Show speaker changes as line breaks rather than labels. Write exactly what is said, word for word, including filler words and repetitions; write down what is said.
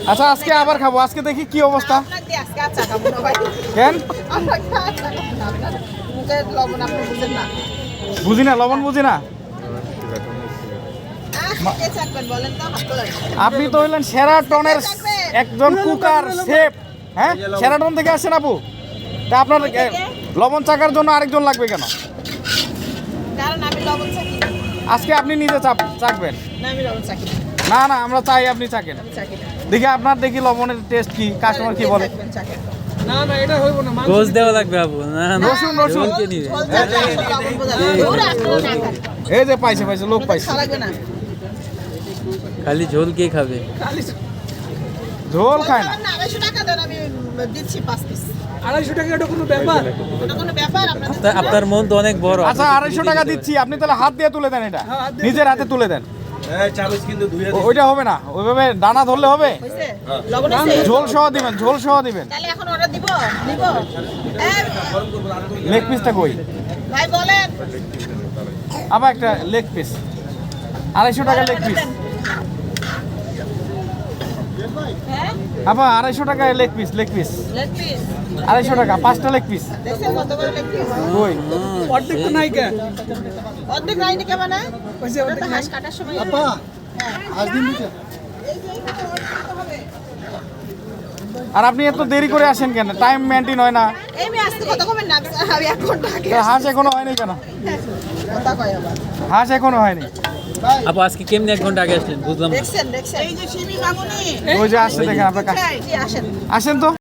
আচ্ছা আজকে আবার খাবো, আজকে দেখি কি অবস্থা। কেন বুঝি না, লবণ বুঝি না। আপনি তো হইলেন সেরাটনের একজন কুকার শেফ, হ্যাঁ সেরাটন থেকে আসছেন আপু, তা আপনার লবণ চাকার জন্য আরেকজন লাগবে কেন? আজকে আপনি নিজে চাকবেন? না না, আমরা চাই আপনি চাকেন। দেখি আপনার দেখি লবণের টেস্ট কি, কাস্টমার কি বলে।
না না এটা হইব না,
গোশ দেওয়া লাগবে আপু। না না,
রসুন রসুন
কে নিবে?
এই যে পাইছে পাইছে লোক পাইছে।
খালি ঝোল কে খাবে?
ঝোল খায় না।
আড়াইশো টাকা এটা কোনো ব্যাপার?
তা আপনার মন তো অনেক বড়।
আচ্ছা আড়াইশো টাকা দিচ্ছি, আপনি তাহলে হাত দিয়ে তুলে দেন, এটা নিজের হাতে তুলে দেন। ও- ওইটা হবে না, ওইভাবে ডানা ধরলে হবে। ঝোল সহ দিবেন, ঝোল সহ দিবেন। লেগ পিসটা কই? আবার একটা লেগ পিস, আড়াইশো টাকা লেগ পিস। আবার আড়াইশো টাকায় লেগ পিস, লেগ পিস আড়াইশো টাকা, পাঁচটা লেগ পিস। কই
অর্ধেক তো নাই কে?
অর্ধেক রাইনি কে মানে
কইছে
ওটা তো হাঁস কাটার সময়
আপা আজ দিন দিছে।
আর আপনি এত দেরি করে আসেন কেন? টাইম মেনটেন হয় না।
এই আমি আজকে কথা কমেন না, আমি এক ঘন্টা আগে
তা হাঁস এখনো হয়নি কেন?
কথা কয় আবার
হাঁস এখনো হয়নি।
আপু আজকে কেমনি এক ঘন্টা আগে আসলেন বুঝলাম না।
দেখছেন দেখছেন এই যে শিবি মামুনি
ওই যে আসছে দেখেন আপনার কাছে।
জি আসেন
আসেন তো।